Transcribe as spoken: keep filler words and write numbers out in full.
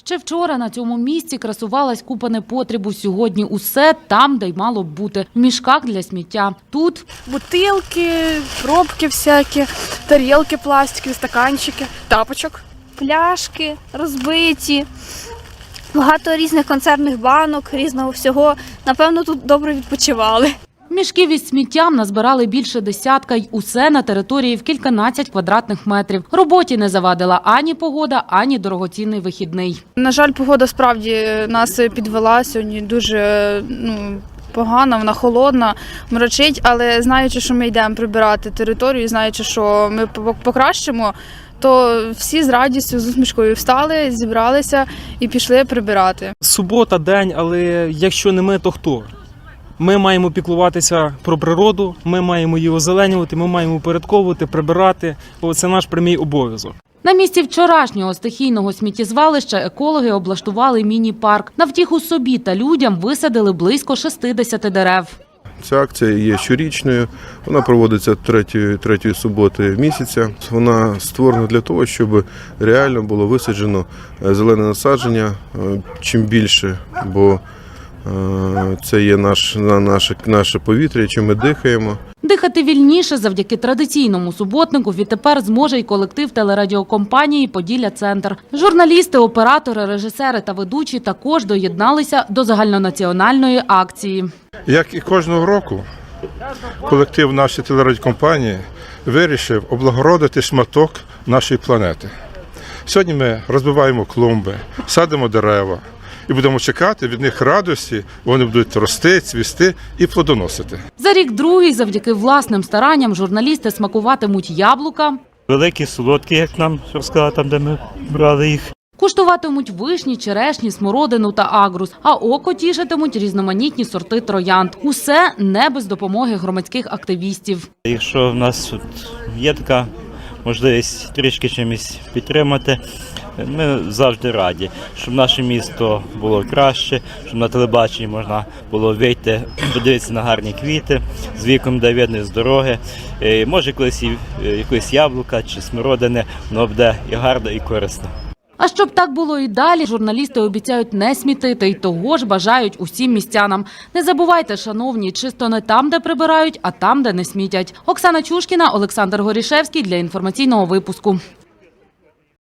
Ще вчора на цьому місці красувалась купа непотребу. Сьогодні усе там, де й мало б бути. В мішках для сміття. Тут бутилки, пробки всякі, тарілки пластикові, стаканчики, тапочок. Пляшки розбиті, багато різних консервних банок, різного всього. Напевно, тут добре відпочивали. мішків із сміттям назбирали більше десятка, й усе на території в кільканадцять квадратних метрів. Роботі не завадила ані погода, ані дорогоцінний вихідний. На жаль, погода справді нас підвела сьогодні дуже, ну, погана, вона холодна, мрачить, але знаючи, що ми йдемо прибирати територію, знаючи, що ми покращимо, то всі з радістю, з усмішкою встали, зібралися і пішли прибирати. Субота, день, але якщо не ми, то хто? Ми маємо піклуватися про природу, ми маємо її озеленювати, ми маємо упорядковувати, прибирати. Це наш прямий обов'язок. На місці вчорашнього стихійного сміттєзвалища екологи облаштували міні-парк. На втіху собі та людям висадили близько шістдесят дерев. Ця акція є щорічною, вона проводиться третьої, третьої суботи місяця. Вона створена для того, щоб реально було висаджено зелене насадження чим більше, бо це є наш, наше, наше повітря, чим ми дихаємо. Дихати вільніше завдяки традиційному суботнику відтепер зможе й колектив телерадіокомпанії «Поділля-Центр». Журналісти, оператори, режисери та ведучі також доєдналися до загальнонаціональної акції. Як і кожного року, колектив нашої телерадіокомпанії вирішив облагородити шматок нашої планети. Сьогодні ми розбиваємо клумби, садимо дерева і будемо чекати від них радості, вони будуть рости, цвісти і плодоносити. За рік другий, завдяки власним старанням, журналісти смакуватимуть яблука, великі, солодкі, як нам розказали, там, де ми брали їх. куштуватимуть вишні, черешні, смородину та агрус, а око тішитимуть різноманітні сорти троянд. Усе не без допомоги громадських активістів. Якщо в нас тут є така можливість трішки чимось підтримати, ми завжди раді, щоб наше місто було краще, щоб на телебаченні можна було вийти, подивитися на гарні квіти, з віком, де видно з дороги. Може, колись і якось яблука чи смородини, воно буде і гарно, і корисно. А щоб так було і далі, журналісти обіцяють не смітити і того ж бажають усім містянам. Не забувайте, шановні, чисто не там, де прибирають, а там, де не смітять. Оксана Чушкіна, Олександр Горішевський для інформаційного випуску.